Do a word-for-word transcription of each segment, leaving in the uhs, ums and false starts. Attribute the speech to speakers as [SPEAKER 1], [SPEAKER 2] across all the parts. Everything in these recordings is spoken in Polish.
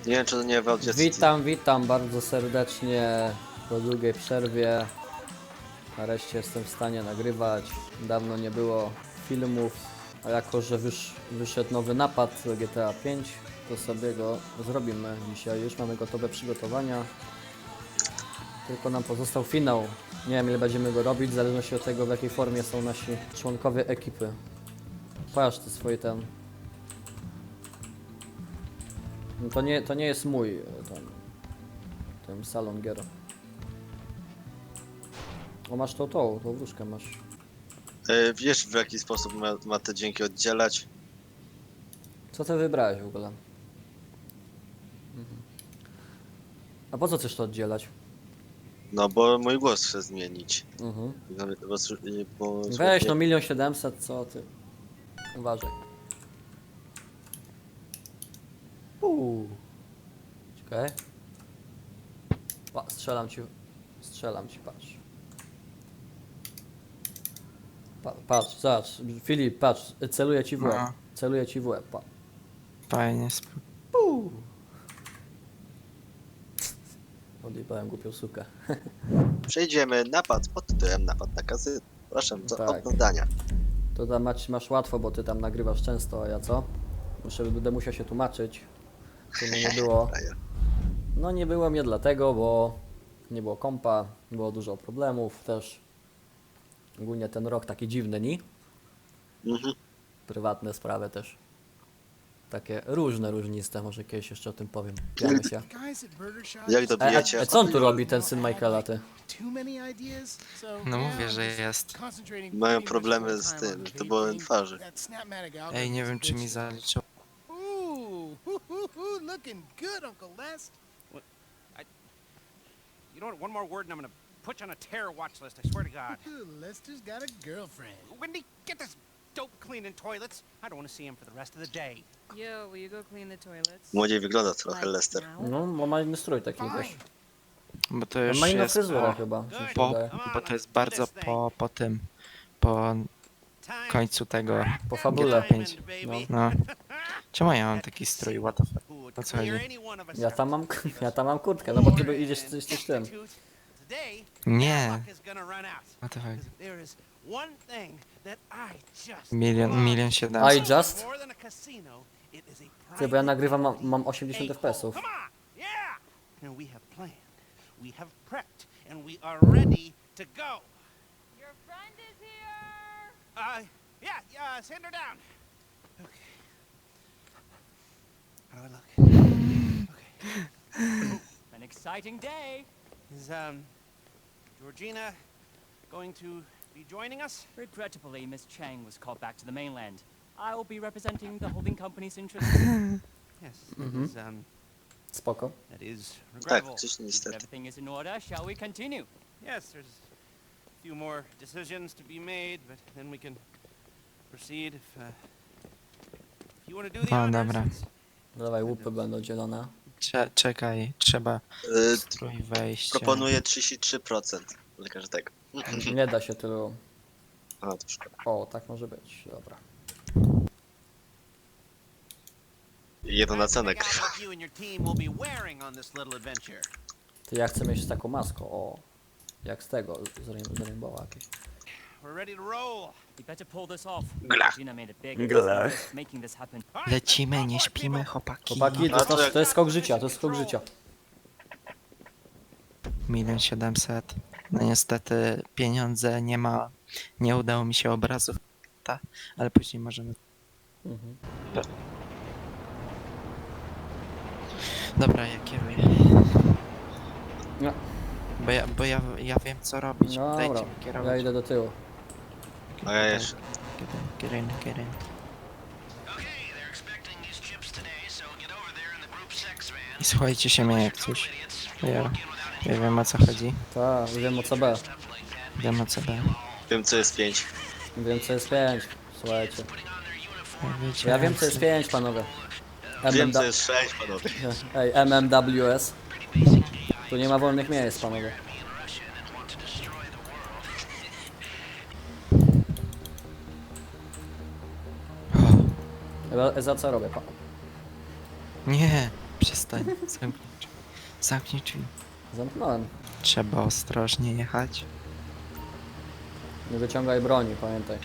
[SPEAKER 1] Nie wiem, czy to nie w Audio City.
[SPEAKER 2] Witam, witam bardzo serdecznie po długiej przerwie. Nareszcie jestem w stanie nagrywać. Dawno nie było filmów, a jako że wysz, wyszedł nowy napad do G T A pięć, to sobie go zrobimy dzisiaj. Już mamy gotowe przygotowania. Tylko nam pozostał finał. Nie wiem, ile będziemy go robić, w zależności od tego, w jakiej formie są nasi członkowie ekipy. Patrz ty swój ten. No to nie, to nie jest mój ten, ten salon gier. O, masz tą, tą, tą wróżkę masz.
[SPEAKER 1] E, wiesz, w jaki sposób ma, ma te dźwięki oddzielać?
[SPEAKER 2] Co ty wybrałeś w ogóle? Mhm. A po co chcesz to oddzielać?
[SPEAKER 1] No, bo mój głos chcę zmienić.
[SPEAKER 2] Mhm.
[SPEAKER 1] Bo, bo, bo,
[SPEAKER 2] Weź no milion siedemset, co ty? Uważaj. Uuu. Czekaj. Pa, strzelam ci. Strzelam ci, patrz. Pa, patrz, zobacz. Filip, patrz. Celuję ci w łeb.
[SPEAKER 3] No.
[SPEAKER 2] Celuję ci w łeb, pa.
[SPEAKER 3] Fajnie. sp-
[SPEAKER 2] Uuu. Odjebałem głupią sukę.
[SPEAKER 1] Przejdziemy napad pod tytułem Napad na kasyno. Proszę do
[SPEAKER 2] Tak.
[SPEAKER 1] oglądania.
[SPEAKER 2] To tam masz, masz łatwo, bo ty tam nagrywasz często, a ja co? Muszę, będę musiał się tłumaczyć. To mnie nie było.
[SPEAKER 1] Frajer.
[SPEAKER 2] No nie było mnie dlatego, bo nie było kompa, było dużo problemów też. Ogólnie ten rok taki dziwny, nie?
[SPEAKER 1] Mhm.
[SPEAKER 2] Prywatne sprawy też. Takie różne, różniste, może kiedyś jeszcze o tym powiem. Pijamy się.
[SPEAKER 1] Jak
[SPEAKER 2] E,
[SPEAKER 1] dobijecie?
[SPEAKER 2] a, a co on tu robi, ten syn Michaela, ty?
[SPEAKER 3] No mówię, że jest.
[SPEAKER 1] Mają problemy z tym, to byłem twarzy.
[SPEAKER 3] Ej, nie wiem czy mi zaliczył.
[SPEAKER 4] Looking good, Uncle Les.
[SPEAKER 5] You know what? One more word and I'm gonna put you on a terror watch list, I swear to God.
[SPEAKER 4] Lester's got a girlfriend.
[SPEAKER 5] Wendy, get this dope cleaning toilets. I don't want to see him for the rest of the day.
[SPEAKER 6] Yo, will you go clean the toilets?
[SPEAKER 1] Młodziej wygląda trochę
[SPEAKER 6] Like
[SPEAKER 1] Lester.
[SPEAKER 6] now?
[SPEAKER 2] No, bo ma inny strój taki też.
[SPEAKER 3] Bo to
[SPEAKER 2] On
[SPEAKER 3] już
[SPEAKER 2] ma inną
[SPEAKER 3] jest
[SPEAKER 2] fryzurę
[SPEAKER 3] po,
[SPEAKER 2] chyba, mi się
[SPEAKER 3] po,
[SPEAKER 2] wydaje.
[SPEAKER 3] bo to jest bardzo po, po tym. Po
[SPEAKER 5] Time
[SPEAKER 3] końcu tego.
[SPEAKER 2] Po fabule.
[SPEAKER 3] pięć.
[SPEAKER 5] baby.
[SPEAKER 3] No. Czemu ja mam taki strój? What the fuck?
[SPEAKER 5] Who would
[SPEAKER 3] O co chodzi?
[SPEAKER 5] clear any one of us
[SPEAKER 2] Ja
[SPEAKER 5] out.
[SPEAKER 2] tam mam, ja tam mam kurtkę, no bo ty idziesz coś coś tym.
[SPEAKER 5] Today,
[SPEAKER 3] Nie.
[SPEAKER 5] luck is gonna run out.
[SPEAKER 3] What the fuck?
[SPEAKER 5] 'Cause there is one thing that I just
[SPEAKER 3] Milion,
[SPEAKER 5] love.
[SPEAKER 3] milion
[SPEAKER 2] I
[SPEAKER 3] siedemset.
[SPEAKER 2] just?
[SPEAKER 5] More than a casino, it is a
[SPEAKER 2] Ty, bo ja
[SPEAKER 5] private
[SPEAKER 2] nagrywam, mam, mam osiemdziesiąt
[SPEAKER 5] A
[SPEAKER 2] F P S-ów.
[SPEAKER 5] hole. Come on! Yeah! And we have planned, we have prepped, and we are ready to go.
[SPEAKER 6] Your friend is here!
[SPEAKER 5] Uh, yeah, yeah, send her down. Okay. How do I look? Okay.
[SPEAKER 7] An exciting day.
[SPEAKER 5] Is, um, Georgina going to be joining us?
[SPEAKER 7] Regrettably, Miss Chang was called back to the mainland. I will be representing the holding company's interests.
[SPEAKER 5] Yes, that
[SPEAKER 2] Mhm.
[SPEAKER 5] is, um,
[SPEAKER 2] Spoko.
[SPEAKER 5] that is
[SPEAKER 1] Tak,
[SPEAKER 5] regrettable.
[SPEAKER 1] gdzieś
[SPEAKER 7] If
[SPEAKER 1] niestety.
[SPEAKER 7] everything is in order, shall we continue?
[SPEAKER 5] Yes, there's a few more decisions to be made, but then we can proceed if, uh, if you want to do the
[SPEAKER 3] O,
[SPEAKER 5] honors.
[SPEAKER 3] dobra.
[SPEAKER 5] it's-
[SPEAKER 2] Dawaj, łupy będą dzielone.
[SPEAKER 3] Cze czekaj, trzeba
[SPEAKER 1] Y,
[SPEAKER 3] strój wejść.
[SPEAKER 1] proponuję trzydzieści trzy procent dla każdego.
[SPEAKER 2] Nie da się tylu.
[SPEAKER 1] A, to szkoda.
[SPEAKER 2] O, tak może być, dobra.
[SPEAKER 1] Jedno na
[SPEAKER 5] Time to
[SPEAKER 1] cenę
[SPEAKER 5] make out
[SPEAKER 1] grywa.
[SPEAKER 5] what you and your team will be wearing on this little adventure.
[SPEAKER 2] Ty, ja chcę mieć taką maskę, o. Jak z tego, z, rain- z Rainbowa jakieś.
[SPEAKER 5] We're ready to roll.
[SPEAKER 7] We better pull this off.
[SPEAKER 1] Gla.
[SPEAKER 7] Gina made a big
[SPEAKER 2] Gla.
[SPEAKER 7] mistake making this happen.
[SPEAKER 5] All right,
[SPEAKER 3] Lecimy,
[SPEAKER 5] let's
[SPEAKER 3] nie
[SPEAKER 5] go for it,
[SPEAKER 3] śpimy,
[SPEAKER 5] people.
[SPEAKER 3] chłopaki.
[SPEAKER 2] Chłopaki, to, to, to jest skok życia, to jest skok życia.
[SPEAKER 3] Milion siedemset. No niestety pieniądze nie ma. Nie udało mi się obrazów. Ta, ale później możemy.
[SPEAKER 2] Mhm.
[SPEAKER 3] Dobra, ja kieruję.
[SPEAKER 2] No.
[SPEAKER 3] Bo ja, bo ja, ja wiem co robić.
[SPEAKER 2] No
[SPEAKER 3] Dajcie
[SPEAKER 2] dobra,
[SPEAKER 3] mi
[SPEAKER 2] ja
[SPEAKER 3] kierować.
[SPEAKER 2] idę do tyłu.
[SPEAKER 1] A ja jeszcze.
[SPEAKER 3] Get in, get in. I słuchajcie się mnie jak coś. Ja, ja wiem o co chodzi.
[SPEAKER 2] Tak, wiem o co B.
[SPEAKER 3] Wiem o co B.
[SPEAKER 1] Wiem, co jest pięć.
[SPEAKER 2] Wiem co jest pięć. Słuchajcie.
[SPEAKER 3] Ja, wiecie,
[SPEAKER 2] Ja wiem co jest pięć, panowie.
[SPEAKER 1] Wiem, co
[SPEAKER 2] M M W
[SPEAKER 1] jest sześć, panowie.
[SPEAKER 2] Ej, M M W S. Tu nie ma wolnych miejsc, panowie.
[SPEAKER 3] O,
[SPEAKER 2] Za- Za co robię, pan?
[SPEAKER 3] nie, Przestań. Zamknij drzwi. Zamknij drzwi.
[SPEAKER 2] Zamknąłem.
[SPEAKER 3] Trzeba ostrożnie jechać.
[SPEAKER 2] Nie wyciągaj broni, pamiętaj.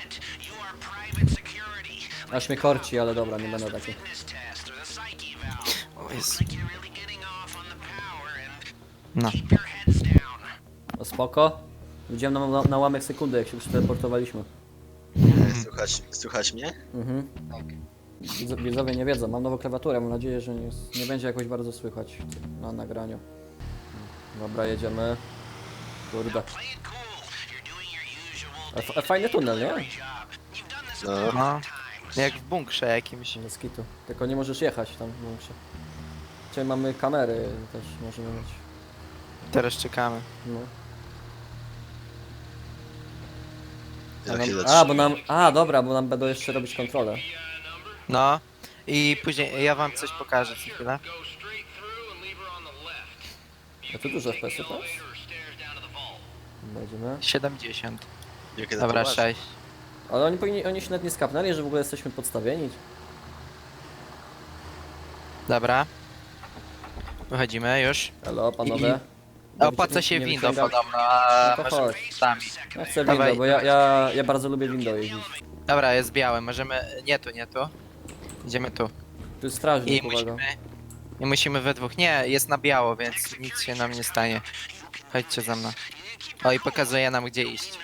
[SPEAKER 2] Aż mnie korci, ale dobra, nie będę taki.
[SPEAKER 3] O Jezu. No.
[SPEAKER 2] No spoko. Widziałem na, na, na łamek sekundy, jak się przeteleportowaliśmy.
[SPEAKER 1] Słuchać, słuchać mnie?
[SPEAKER 2] Mhm. Widz- Widzowie nie wiedzą, mam nową klawiaturę, mam nadzieję, że nie, nie będzie jakoś bardzo słychać na nagraniu. Dobra, jedziemy. Kurde. A, f- a fajny tunel, nie?
[SPEAKER 1] No.
[SPEAKER 3] No. Jak w bunkrze jakimś.
[SPEAKER 2] Bez kitu. Tylko nie możesz jechać tam w bunkrze. Dzisiaj mamy kamery, też możemy mieć.
[SPEAKER 3] Teraz czekamy.
[SPEAKER 2] No. A,
[SPEAKER 1] Jak się
[SPEAKER 2] nam, a,
[SPEAKER 1] zatrzyma.
[SPEAKER 2] bo nam. A, dobra, bo nam będą jeszcze robić kontrolę.
[SPEAKER 3] No. I później ja wam coś pokażę za chwilę.
[SPEAKER 2] A tu dużo F P S-ów teraz? Będziemy.
[SPEAKER 3] siedemdziesiąt.
[SPEAKER 1] Jakie to
[SPEAKER 3] Dobra,
[SPEAKER 1] poważne.
[SPEAKER 3] sześć.
[SPEAKER 2] Ale oni powinni, oni się nawet nie skapnęli, że w ogóle jesteśmy podstawieni.
[SPEAKER 3] Dobra. Wychodzimy już.
[SPEAKER 2] Halo, panowie.
[SPEAKER 3] Opłaca się
[SPEAKER 2] nie
[SPEAKER 3] windą
[SPEAKER 2] wyciąga-
[SPEAKER 3] podobno, a
[SPEAKER 2] No to
[SPEAKER 3] możemy
[SPEAKER 2] chodź.
[SPEAKER 3] sami.
[SPEAKER 2] Ja chcę
[SPEAKER 3] Dawaj.
[SPEAKER 2] window, bo ja, ja, ja bardzo lubię window jeździć.
[SPEAKER 3] Dobra, jest białe, możemy... Nie tu, nie tu. Idziemy tu.
[SPEAKER 2] Tu jest strażnik,
[SPEAKER 3] I
[SPEAKER 2] uwaga.
[SPEAKER 3] musimy... I musimy we dwóch. Nie, jest na biało, więc nic się nam nie stanie. Chodźcie za mną. O, i pokazuje nam gdzie iść.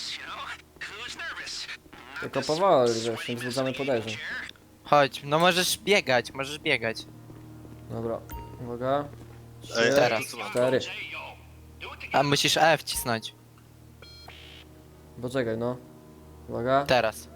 [SPEAKER 2] Tylko powoli, wiesz, nie wzbudzamy podejrzeń.
[SPEAKER 3] Chodź, no możesz biegać, możesz biegać.
[SPEAKER 2] Dobra, uwaga.
[SPEAKER 1] Ej,
[SPEAKER 2] Trzy,
[SPEAKER 3] Teraz.
[SPEAKER 1] tu co mam?
[SPEAKER 2] cztery.
[SPEAKER 3] A musisz E wcisnąć.
[SPEAKER 2] Poczekaj, no. Uwaga.
[SPEAKER 3] Teraz.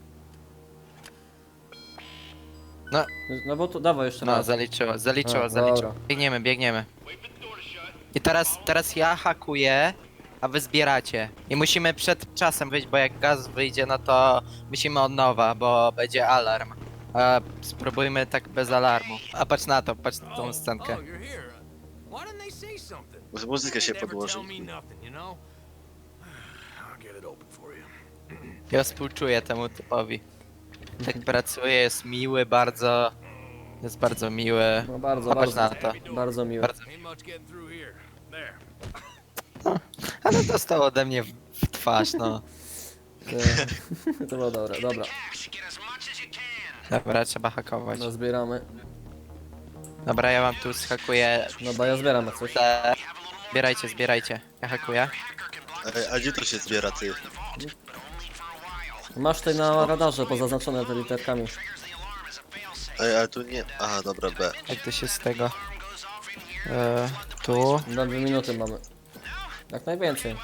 [SPEAKER 2] No bo tu, dawaj jeszcze
[SPEAKER 3] No,
[SPEAKER 2] raz.
[SPEAKER 3] zaliczyło, zaliczyło,
[SPEAKER 2] A,
[SPEAKER 3] zaliczyło.
[SPEAKER 2] dobra.
[SPEAKER 3] Biegniemy, biegniemy. I teraz, teraz ja hakuję, a wy zbieracie. I musimy przed czasem wyjść, bo jak gaz wyjdzie, no to musimy od nowa, bo będzie alarm. A spróbujmy tak bez alarmu. A patrz na to, patrz na tą scenkę.
[SPEAKER 4] Oh, you're here. Why didn't they say something?
[SPEAKER 1] Może muzykę się
[SPEAKER 4] Never
[SPEAKER 1] podłoży.
[SPEAKER 4] tell me nothing, you know? I'll get it open for you.
[SPEAKER 3] Ja współczuję temu typowi. Tak pracuje, jest miły bardzo. Jest bardzo miły.
[SPEAKER 2] No bardzo,
[SPEAKER 3] A patrz
[SPEAKER 2] bardzo,
[SPEAKER 3] na to.
[SPEAKER 2] bardzo miłe.
[SPEAKER 3] Bardzo.
[SPEAKER 4] Ain't much getting through here. There.
[SPEAKER 3] Ale dostał ode mnie w, w twarz, no.
[SPEAKER 2] To, to było dobre, dobra.
[SPEAKER 3] Dobra, trzeba hakować.
[SPEAKER 2] No zbieramy.
[SPEAKER 3] Dobra, ja wam tu schakuję.
[SPEAKER 2] No bo ja zbieram jak coś.
[SPEAKER 3] Te... Zbierajcie, zbierajcie. Ja hakuję.
[SPEAKER 1] Ej, a gdzie to się zbiera, ty?
[SPEAKER 2] Masz tutaj na radarze pozaznaczone te literkami.
[SPEAKER 1] Ej, ale tu nie... Aha, dobra, B.
[SPEAKER 3] Jak to się z tego... E, tu...
[SPEAKER 2] Na dwie minuty mamy. Jak najwięcej.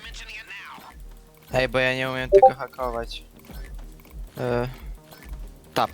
[SPEAKER 3] Ej, bo ja nie umiem tego hakować. E, tap.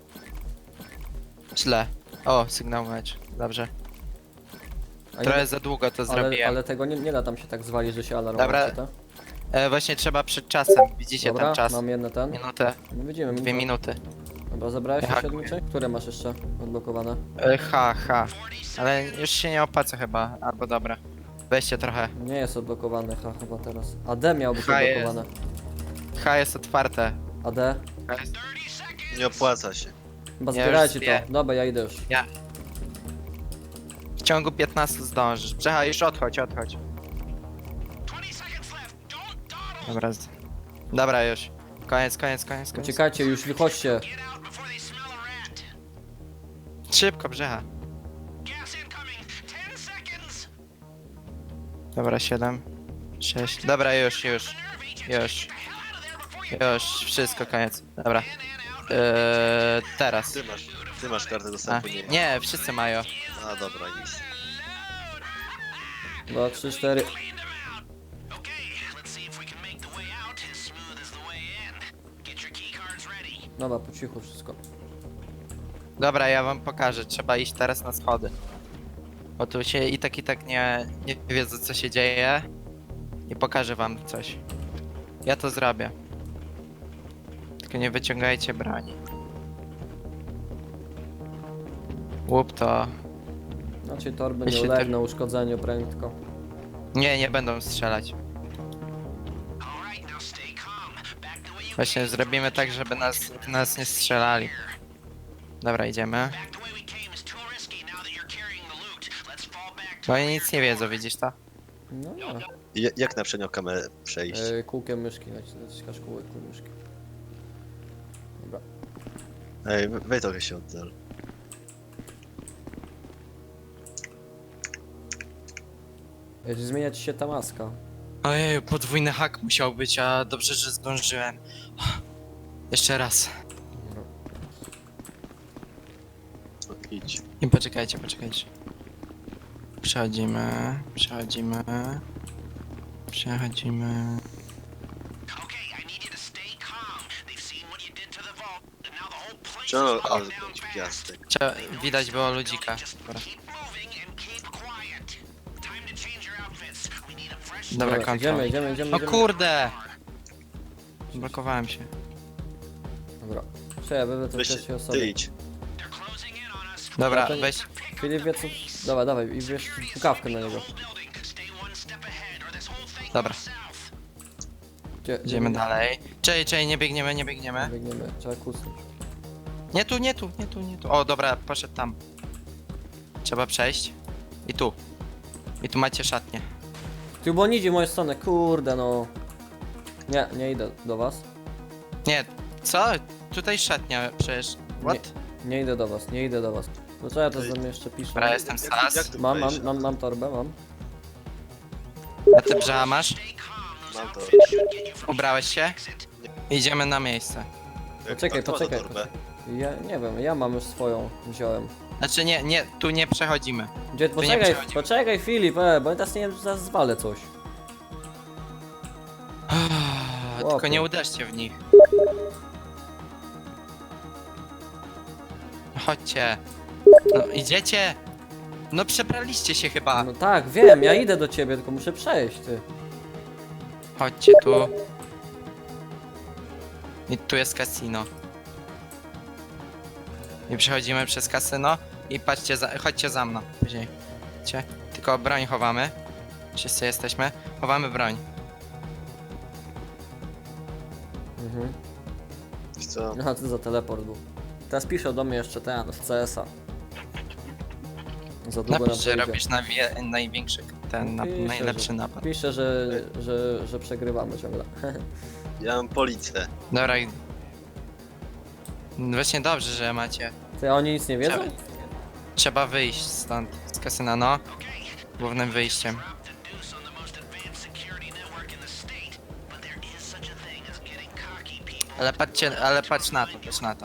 [SPEAKER 3] Źle. O, sygnał mecz. Dobrze.
[SPEAKER 2] A
[SPEAKER 3] Trochę
[SPEAKER 2] nie,
[SPEAKER 3] za długo to
[SPEAKER 2] ale,
[SPEAKER 3] zrobiłem.
[SPEAKER 2] ale tego nie, nie da tam się tak zwalić, że się alarm
[SPEAKER 3] Dobra,
[SPEAKER 2] włączy, tak?
[SPEAKER 3] E, właśnie trzeba przed czasem. Widzicie
[SPEAKER 2] Dobra,
[SPEAKER 3] ten czas?
[SPEAKER 2] mam jedno ten.
[SPEAKER 3] Minutę.
[SPEAKER 2] No widzimy.
[SPEAKER 3] Dwie
[SPEAKER 2] no.
[SPEAKER 3] minuty.
[SPEAKER 2] Dobra, zabrałeś
[SPEAKER 3] Ja
[SPEAKER 2] jeszcze
[SPEAKER 3] hakuję.
[SPEAKER 2] jedną część? Które masz jeszcze odblokowane?
[SPEAKER 3] E, ha, ha. Ale już się nie opłaca chyba. Albo dobra. Weźcie trochę.
[SPEAKER 2] Nie jest odblokowane, ha, chyba teraz. A D miał być
[SPEAKER 3] H jest.
[SPEAKER 2] odblokowane.
[SPEAKER 3] H jest otwarte.
[SPEAKER 2] A D?
[SPEAKER 3] H jest...
[SPEAKER 1] Nie opłaca się.
[SPEAKER 2] Chyba
[SPEAKER 3] Ja
[SPEAKER 2] zbierajcie
[SPEAKER 3] już zbie-
[SPEAKER 2] to. Dobra, ja idę już.
[SPEAKER 3] Ja. W ciągu piętnastu zdążysz. Brzecha, już odchodź, odchodź. Dobra. z- Dobra, już. Koniec, koniec, koniec, koniec.
[SPEAKER 2] Uciekajcie, już wychodźcie.
[SPEAKER 3] Szybko, Brzecha. Dobra, siedem. sześć. Dobra, już, już. Już. Już, wszystko, koniec. Dobra. Eee, teraz.
[SPEAKER 1] Ty masz, ty masz kartę
[SPEAKER 3] A,
[SPEAKER 1] dostępu, nie.
[SPEAKER 3] nie, wszyscy mają.
[SPEAKER 1] A, dobra, nic.
[SPEAKER 2] Dwa, trzy, cztery. Dobra, po cichu wszystko.
[SPEAKER 3] Dobra, ja wam pokażę. Trzeba iść teraz na schody. Bo tu się i tak i tak nie, nie wiedzą co się dzieje. I pokażę wam coś. Ja to zrobię. Tylko nie wyciągajcie broni. Łup to.
[SPEAKER 2] Znaczy torby
[SPEAKER 3] Ja
[SPEAKER 2] nie
[SPEAKER 3] się
[SPEAKER 2] ulegną uszkodzeniu prędko.
[SPEAKER 3] Nie, nie będą strzelać. Właśnie zrobimy tak, żeby nas, nas nie strzelali. Dobra, idziemy. Bo oni nic nie wiedzą, widzisz to?
[SPEAKER 2] No nie.
[SPEAKER 1] Ja- Jak na przednią kamerę przejść?
[SPEAKER 2] Yy, kółkiem myszki, naciskasz kółkiem myszki. Dobra.
[SPEAKER 1] Ej, we- weź trochę się oddal.
[SPEAKER 2] Jeśli zmienia ci się ta maska.
[SPEAKER 3] Ojej, podwójny hak musiał być, a dobrze, że zdążyłem. Jeszcze raz.
[SPEAKER 2] Dobra.
[SPEAKER 1] No, idź.
[SPEAKER 3] I poczekajcie, poczekajcie. Przechodzimy, przechodzimy. Przechodzimy.
[SPEAKER 1] Czemu ale pięć gwiazdek?
[SPEAKER 3] Cze widać było ludzika. Dobra, Dobra kontrol.
[SPEAKER 2] idziemy, idziemy, idziemy.
[SPEAKER 3] No
[SPEAKER 2] idziemy.
[SPEAKER 3] kurde! Blokowałem się.
[SPEAKER 2] Dobra. Cześć, będę to
[SPEAKER 1] Weź
[SPEAKER 2] trzeciej
[SPEAKER 1] ty
[SPEAKER 2] osoby.
[SPEAKER 1] idź.
[SPEAKER 3] Dobra,
[SPEAKER 2] to nie-
[SPEAKER 3] weź.
[SPEAKER 2] Filip wie co... Dawaj, dawaj i wiesz pukawkę na niego.
[SPEAKER 3] Dobra,
[SPEAKER 2] Gdzie,
[SPEAKER 3] idziemy dalej. Czej, czej, nie biegniemy, nie biegniemy.
[SPEAKER 2] Biegniemy, trzeba kusnąć.
[SPEAKER 3] Nie tu, nie tu, nie tu, nie tu. O, dobra, poszedł tam. Trzeba przejść. I tu. I tu macie szatnię.
[SPEAKER 2] Ty, bo on idzie w moją stronę, kurde no. Nie, nie idę do was.
[SPEAKER 3] Nie, co? Tutaj szatnia przecież. What?
[SPEAKER 2] Nie idę do was, nie idę do was. No co ja to
[SPEAKER 1] Ej.
[SPEAKER 2] za mnie jeszcze piszę?
[SPEAKER 3] Dobra, jestem
[SPEAKER 1] Jak, jak
[SPEAKER 3] sas.
[SPEAKER 1] tu
[SPEAKER 2] Mam, mam,
[SPEAKER 1] wejść?
[SPEAKER 2] mam, mam torbę, mam.
[SPEAKER 3] A ty brzała masz?
[SPEAKER 1] Mam to.
[SPEAKER 3] Ubrałeś się? Idziemy na miejsce.
[SPEAKER 2] Poczekaj,
[SPEAKER 1] Kto ma tą
[SPEAKER 2] poczekaj.
[SPEAKER 1] torbę?
[SPEAKER 2] Ja nie wiem, ja mam już swoją, wziąłem.
[SPEAKER 3] Znaczy nie, nie, tu nie przechodzimy.
[SPEAKER 2] Gdzie,
[SPEAKER 3] nie
[SPEAKER 2] poczekaj,
[SPEAKER 3] przechodzimy.
[SPEAKER 2] poczekaj Filip, e, bo ja teraz nie wiem, zaraz zwalę coś.
[SPEAKER 3] Tylko
[SPEAKER 2] Chłopie.
[SPEAKER 3] nie uderzcie w nich. Chodźcie. No idziecie? No przebraliście się chyba.
[SPEAKER 2] No tak, wiem, ja idę do ciebie, tylko muszę przejść, ty.
[SPEAKER 3] Chodźcie tu. I tu jest kasino. I przechodzimy przez kasyno i patrzcie, za, chodźcie za mną. Później. Chodźcie. Tylko broń chowamy. Wszyscy jesteśmy. Chowamy broń.
[SPEAKER 2] Mhm.
[SPEAKER 1] Wiesz co?
[SPEAKER 2] Aha, co za teleport był. Teraz pisze do mnie jeszcze ten, w C S a. Za długo nam
[SPEAKER 3] Napisz, że
[SPEAKER 2] to idzie.
[SPEAKER 3] robisz nawie, największy, ten na,
[SPEAKER 2] Pisze,
[SPEAKER 3] najlepszy
[SPEAKER 2] że-
[SPEAKER 3] napad.
[SPEAKER 2] Pisze, że, że, że przegrywamy ciągle.
[SPEAKER 1] Ja mam policję.
[SPEAKER 3] Dobra. i- Właśnie dobrze, że macie.
[SPEAKER 2] Ty, a oni nic nie wiedzą?
[SPEAKER 3] Trzeba, trzeba wyjść stąd, z kasyna, no. Głównym wyjściem. Ale patrzcie, ale patrz na to, patrz na to.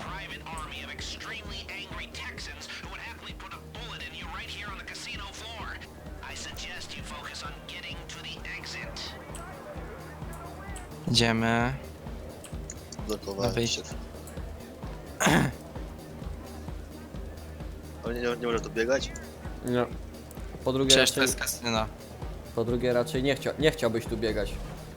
[SPEAKER 3] Idziemy.
[SPEAKER 1] Blokowałem
[SPEAKER 3] wyjść.
[SPEAKER 1] się. Ale nie, nie może tu biegać?
[SPEAKER 2] Nie. Po drugie,
[SPEAKER 3] Przecież to
[SPEAKER 2] raczej,
[SPEAKER 3] jest kasyno.
[SPEAKER 2] po drugie raczej nie, chcia, nie chciałbyś tu biegać.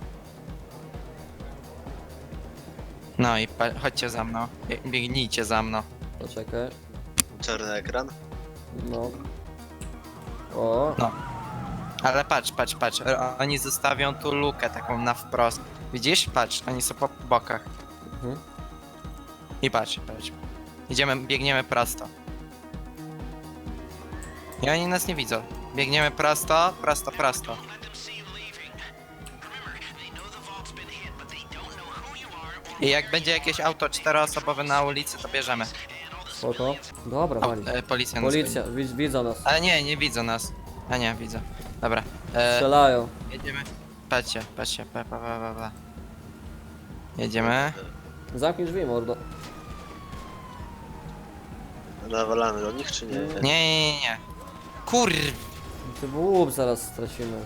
[SPEAKER 3] No i pa- chodźcie za mną. Bie- Biegnijcie za mną.
[SPEAKER 2] Poczekaj.
[SPEAKER 1] Czarny ekran?
[SPEAKER 2] No. O,
[SPEAKER 3] Ale patrz, patrz, patrz. O- Oni zostawią tu lukę taką na wprost. Widzisz? Patrz, oni są po bokach.
[SPEAKER 2] mhm.
[SPEAKER 3] I patrz, patrz. Idziemy, biegniemy prosto. I oni nas nie widzą. Biegniemy prosto, prosto, prosto. I jak będzie jakieś auto czteroosobowe na ulicy, to bierzemy.
[SPEAKER 2] Spoko. Dobra,
[SPEAKER 3] O,
[SPEAKER 2] wali.
[SPEAKER 3] e, policja nas
[SPEAKER 2] Policja,
[SPEAKER 3] goni.
[SPEAKER 2] widz, widzą nas.
[SPEAKER 3] Ale nie, nie widzą nas. A nie, widzą. Dobra. E,
[SPEAKER 2] Strzelają.
[SPEAKER 3] jedziemy. Patrzcie, patrzcie. Pa, pa, pa, pa, pa. Jedziemy.
[SPEAKER 2] Zamknij drzwi, mordo.
[SPEAKER 1] Nawalamy do nich czy nie?
[SPEAKER 3] Nie, nie, nie, nie. Kur...
[SPEAKER 2] Ty łup zaraz stracimy.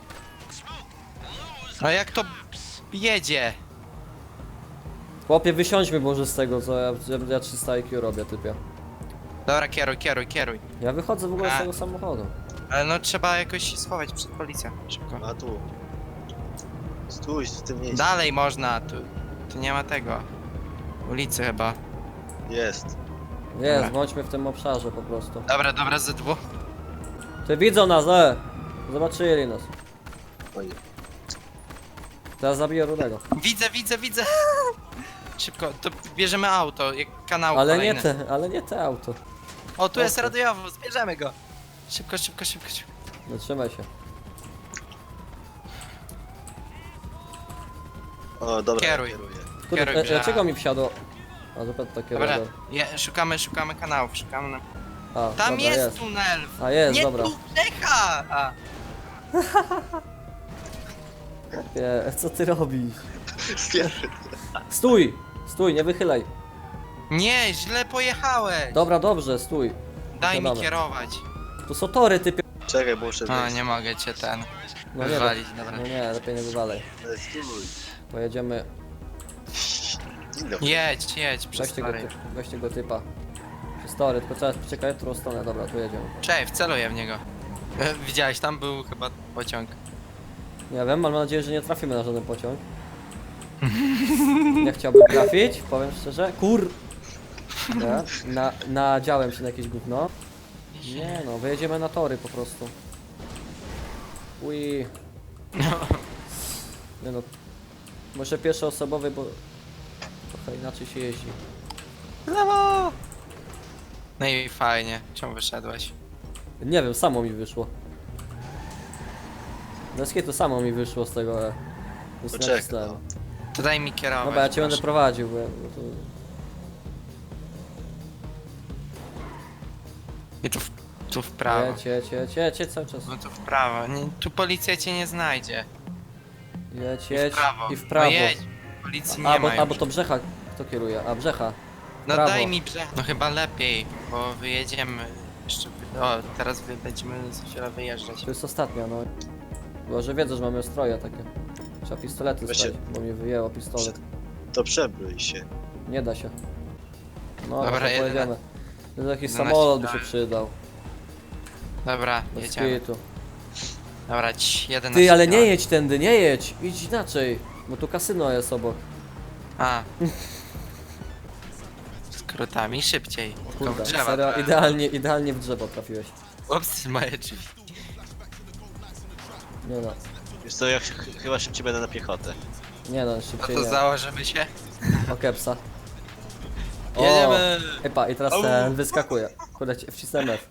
[SPEAKER 3] No jak to jedzie?
[SPEAKER 2] Chłopie, wysiądźmy może z tego, co ja, ja, ja trzysta I Q robię, typie.
[SPEAKER 3] Dobra, kieruj, kieruj, kieruj.
[SPEAKER 2] Ja wychodzę w ogóle
[SPEAKER 3] A.
[SPEAKER 2] z tego samochodu.
[SPEAKER 3] Ale no trzeba jakoś się schować przed policją. Szybko.
[SPEAKER 1] A tu. Stój w tym miejscu.
[SPEAKER 3] Dalej można, tu, tu nie ma tego. Ulicy chyba.
[SPEAKER 1] Jest.
[SPEAKER 2] Jest,
[SPEAKER 3] Dobra.
[SPEAKER 2] bądźmy w tym obszarze po prostu.
[SPEAKER 3] Dobra, dobra, ze dwóch.
[SPEAKER 2] Ty widzą nas, e! Zobaczyli nas.
[SPEAKER 1] Oj.
[SPEAKER 2] Teraz zabiję Rudego.
[SPEAKER 3] Widzę, widzę, widzę. Szybko, to bierzemy auto, jak kanał
[SPEAKER 2] Ale
[SPEAKER 3] kolejny.
[SPEAKER 2] nie te, ale nie te auto.
[SPEAKER 3] O, tu jest
[SPEAKER 2] Ostry.
[SPEAKER 3] radiowo, zbierzemy go. Szybko, szybko, szybko, szybko.
[SPEAKER 2] Zatrzymaj się.
[SPEAKER 1] O, dobra,
[SPEAKER 3] Kieruj.
[SPEAKER 1] kieruję.
[SPEAKER 2] Kurde,
[SPEAKER 3] Kieruj
[SPEAKER 2] e,
[SPEAKER 3] grze.
[SPEAKER 2] dlaczego mi wsiadło? A zupełnie takie
[SPEAKER 3] Dobra,
[SPEAKER 2] radar.
[SPEAKER 3] je, szukamy, szukamy kanałów, szukamy.
[SPEAKER 2] A,
[SPEAKER 3] Tam
[SPEAKER 2] dobra,
[SPEAKER 3] jest,
[SPEAKER 2] jest.
[SPEAKER 3] tunel!
[SPEAKER 2] A jest,
[SPEAKER 3] Nie
[SPEAKER 2] dobra.
[SPEAKER 3] tu, Lecha! A,
[SPEAKER 2] Nie, co ty robisz?
[SPEAKER 1] Pierwszy.
[SPEAKER 2] Stój! Stój, nie wychylaj.
[SPEAKER 3] nie, źle pojechałeś!
[SPEAKER 2] Dobra, dobrze, stój.
[SPEAKER 3] Daj mi
[SPEAKER 2] dobra.
[SPEAKER 3] kierować.
[SPEAKER 2] Tu są tory, typie.
[SPEAKER 1] Czekaj, bo muszę
[SPEAKER 3] A,
[SPEAKER 1] zejść.
[SPEAKER 3] nie mogę cię ten
[SPEAKER 2] No nie,
[SPEAKER 3] wywalić, dobra.
[SPEAKER 2] no nie, lepiej nie wywalaj.
[SPEAKER 1] Ale stój.
[SPEAKER 2] Pojedziemy.
[SPEAKER 1] Dzień dobry.
[SPEAKER 3] Jedź, jedź, przez
[SPEAKER 2] Weźcie go,
[SPEAKER 3] tory.
[SPEAKER 2] ty, weźcie go typa. Przez tory, tylko trzeba czekać w którą stronę. Dobra, tu jedziemy.
[SPEAKER 3] Cześć, wceluję w niego. E, Widziałeś, tam był chyba pociąg.
[SPEAKER 2] Nie wiem, ale mam nadzieję, że nie trafimy na żaden pociąg. Nie chciałbym trafić, powiem szczerze. Kur... Nie, na, nadziałem się na jakieś gówno. Nie no, wyjedziemy na tory po prostu. Ui. Nie no. Może pierwszoosobowy, bo trochę inaczej się jeździ.
[SPEAKER 3] Brawo! No i fajnie, czemu wyszedłeś?
[SPEAKER 2] Nie wiem, samo mi wyszło. Bez to samo mi wyszło z tego. e, Więc
[SPEAKER 1] Poczekaj,
[SPEAKER 2] nacisnąłem.
[SPEAKER 1] no.
[SPEAKER 3] To daj mi kierować.
[SPEAKER 2] Dobra, ja cię będę
[SPEAKER 3] proszę.
[SPEAKER 2] prowadził, bo ja, bo to...
[SPEAKER 3] I tu w, tu w prawo.
[SPEAKER 2] Jedź, jedź, jedź, jedź, jedź cały czas.
[SPEAKER 3] No tu w prawo. Nie, tu policja cię nie znajdzie.
[SPEAKER 2] Jedź,
[SPEAKER 3] I
[SPEAKER 2] jedź
[SPEAKER 3] w prawo.
[SPEAKER 2] i w prawo.
[SPEAKER 3] No jedź. Policji nie
[SPEAKER 2] A, bo,
[SPEAKER 3] ma
[SPEAKER 2] a, bo
[SPEAKER 3] już.
[SPEAKER 2] to Brzecha kto kieruje? A, Brzecha.
[SPEAKER 3] No
[SPEAKER 2] prawo.
[SPEAKER 3] daj mi brzeg. No chyba lepiej, bo wyjedziemy. Jeszcze. wy- O, teraz wy, będziemy za chwilę wyjeżdżać.
[SPEAKER 2] To jest ostatnia, no. Chyba, że wiedzą, że mamy stroje takie. Trzeba pistolety
[SPEAKER 1] Weźcie-
[SPEAKER 2] stać, bo mnie wyjęło pistolet.
[SPEAKER 1] To przebrój się.
[SPEAKER 2] Nie da się. No,
[SPEAKER 3] Dobra,
[SPEAKER 2] to
[SPEAKER 3] jedyne-
[SPEAKER 2] pojedziemy. To jakiś
[SPEAKER 3] jedenaście
[SPEAKER 2] samolot by się
[SPEAKER 3] tak.
[SPEAKER 2] przydał.
[SPEAKER 3] Dobra,
[SPEAKER 2] Bez
[SPEAKER 3] jedziemy.
[SPEAKER 2] kitu.
[SPEAKER 3] Dobra, ci, jeden
[SPEAKER 2] Ty, ale nie jedź tędy, nie jedź! Idź inaczej, bo tu kasyno jest obok.
[SPEAKER 3] A. Skrótami szybciej. Tylko w
[SPEAKER 2] Kurde,
[SPEAKER 3] drzewa.
[SPEAKER 2] serio,
[SPEAKER 3] to-
[SPEAKER 2] idealnie, idealnie w drzewo trafiłeś.
[SPEAKER 3] Ups, moje drzwi.
[SPEAKER 2] Nie no,
[SPEAKER 1] Wiesz co, ja ch chyba szybciej będę na piechotę.
[SPEAKER 2] nie no,
[SPEAKER 3] No
[SPEAKER 2] szybciej
[SPEAKER 3] to
[SPEAKER 2] nie.
[SPEAKER 3] założymy się.
[SPEAKER 2] O kepsa. O,
[SPEAKER 3] Jedziemy!
[SPEAKER 2] Epa, i teraz ten wyskakuje. Kurde, ci- wcisnąłem F.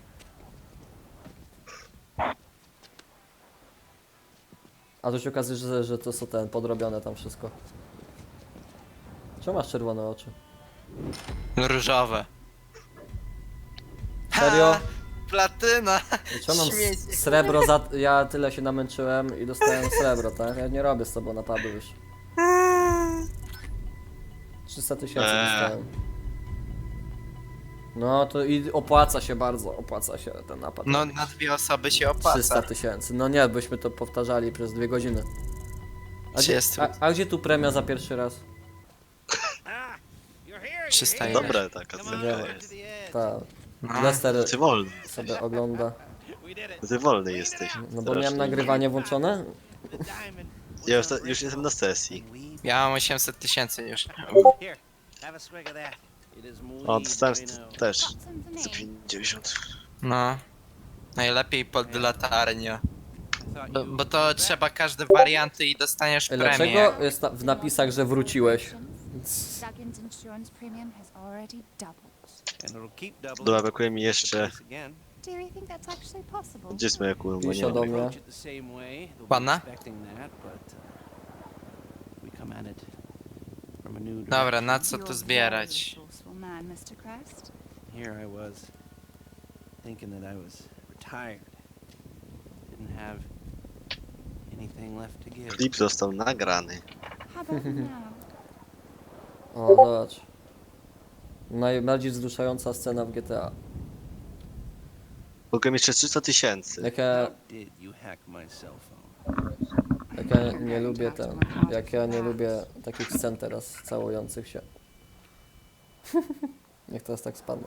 [SPEAKER 2] A tu się okazuje, że, że to są ten, podrobione tam wszystko. Czemu masz czerwone oczy?
[SPEAKER 3] Różowe.
[SPEAKER 2] Serio?
[SPEAKER 3] Ha, platyna!
[SPEAKER 2] Czemu mam
[SPEAKER 3] Śmiecie.
[SPEAKER 2] s- srebro za... Ja tyle się namęczyłem i dostałem srebro, tak? Ja nie robię z tobą napadu już. trzysta tysięcy
[SPEAKER 1] Eee.
[SPEAKER 2] dostałem. No to i opłaca się bardzo, opłaca się ten napad.
[SPEAKER 3] No na dwie osoby się opłaca.
[SPEAKER 2] trzysta tysięcy. No nie, byśmy to powtarzali przez dwie godziny. A gdzie,
[SPEAKER 3] trzysta.
[SPEAKER 2] a, a gdzie tu premia za pierwszy raz?
[SPEAKER 5] Ah, you're here.
[SPEAKER 3] trzysta
[SPEAKER 5] You're
[SPEAKER 3] ile?
[SPEAKER 1] Dobra taka
[SPEAKER 5] Come on,
[SPEAKER 1] cena
[SPEAKER 5] over to
[SPEAKER 1] jest.
[SPEAKER 5] the edge.
[SPEAKER 2] Ta.
[SPEAKER 3] No.
[SPEAKER 2] Lester
[SPEAKER 1] Ty wolny.
[SPEAKER 2] sobie ogląda.
[SPEAKER 5] We did it.
[SPEAKER 1] Ty wolny jesteś.
[SPEAKER 2] No bo
[SPEAKER 1] Strasznie.
[SPEAKER 2] miałem nagrywanie włączone.
[SPEAKER 5] The diamond.
[SPEAKER 1] Ja już, już jestem na sesji.
[SPEAKER 3] Ja mam osiemset tysięcy już.
[SPEAKER 5] Here, have a swig of that. It is muy
[SPEAKER 1] O, dostałem
[SPEAKER 5] bueno.
[SPEAKER 1] też.
[SPEAKER 6] Got some for
[SPEAKER 1] Za
[SPEAKER 6] me.
[SPEAKER 1] pięćdziesiąt.
[SPEAKER 3] No. Najlepiej pod latarnią.
[SPEAKER 5] Thought
[SPEAKER 3] Bo,
[SPEAKER 5] you
[SPEAKER 3] bo to
[SPEAKER 5] were
[SPEAKER 3] trzeba każde warianty i dostaniesz premię.
[SPEAKER 2] Dlaczego jest na, w napisach, że wróciłeś?
[SPEAKER 6] Duggan's insurance premium has already doubled.
[SPEAKER 5] back, and it'll keep doubling
[SPEAKER 1] Dobra, brakuje mi
[SPEAKER 5] the
[SPEAKER 1] jeszcze...
[SPEAKER 5] price again.
[SPEAKER 6] Do you think that's actually possible?
[SPEAKER 1] Gdzie jest moja kula? Bo nie
[SPEAKER 2] Pisze
[SPEAKER 1] ma.
[SPEAKER 2] do mnie.
[SPEAKER 5] Approach it the same way. They'll be
[SPEAKER 3] Panna?
[SPEAKER 5] expecting that, but uh, we come at it from a new
[SPEAKER 3] Dobra, na
[SPEAKER 5] direction.
[SPEAKER 3] co tu zbierać?
[SPEAKER 6] You're a resourceful man, mister Crest.
[SPEAKER 5] Here I was, thinking that I was retired. Didn't have anything left to give.
[SPEAKER 1] Klip został nagrany.
[SPEAKER 6] How about now?
[SPEAKER 2] O, zobacz. Najbardziej wzruszająca scena w G T A.
[SPEAKER 1] Mogłem jeszcze trzysta tysięcy.
[SPEAKER 2] Jak ja,
[SPEAKER 5] How did you hack my cell phone?
[SPEAKER 2] jak ja nie lubię ten, jak ja nie lubię takich scen teraz całujących się. Niech teraz tak spadną.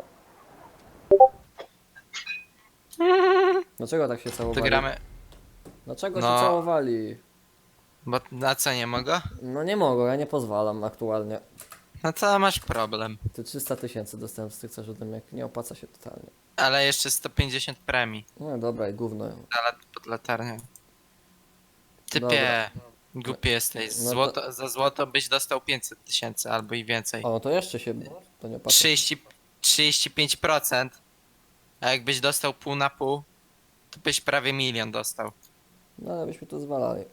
[SPEAKER 2] Dlaczego tak się
[SPEAKER 3] To
[SPEAKER 2] całowali?
[SPEAKER 3] gramy.
[SPEAKER 2] Dlaczego
[SPEAKER 3] No.
[SPEAKER 2] się całowali?
[SPEAKER 3] Bo na co nie mogę?
[SPEAKER 2] No nie mogą, ja nie pozwalam aktualnie.
[SPEAKER 3] No to masz problem.
[SPEAKER 2] Ty trzysta tysięcy dostałem z tych jak nie opłaca się totalnie.
[SPEAKER 3] Ale jeszcze sto pięćdziesiąt premii.
[SPEAKER 2] No dobra, i gówno.
[SPEAKER 3] Za lat pod latarnią. Typie.
[SPEAKER 2] Dobra.
[SPEAKER 3] Głupi jesteś.
[SPEAKER 2] No to-
[SPEAKER 3] Złoto, Za złoto byś dostał pięćset tysięcy albo i więcej.
[SPEAKER 2] O, to jeszcze się to nie opłaca.
[SPEAKER 3] trzydzieści, trzydzieści pięć procent A jakbyś dostał pół na pół, to byś prawie milion dostał.
[SPEAKER 2] No ale byśmy to zwalali.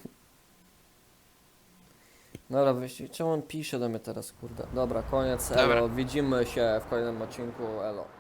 [SPEAKER 2] Dobra, wyjście. Czemu on pisze do mnie teraz, kurde? Dobra, koniec, elo.
[SPEAKER 3] Dobra.
[SPEAKER 2] Widzimy się w kolejnym odcinku, elo.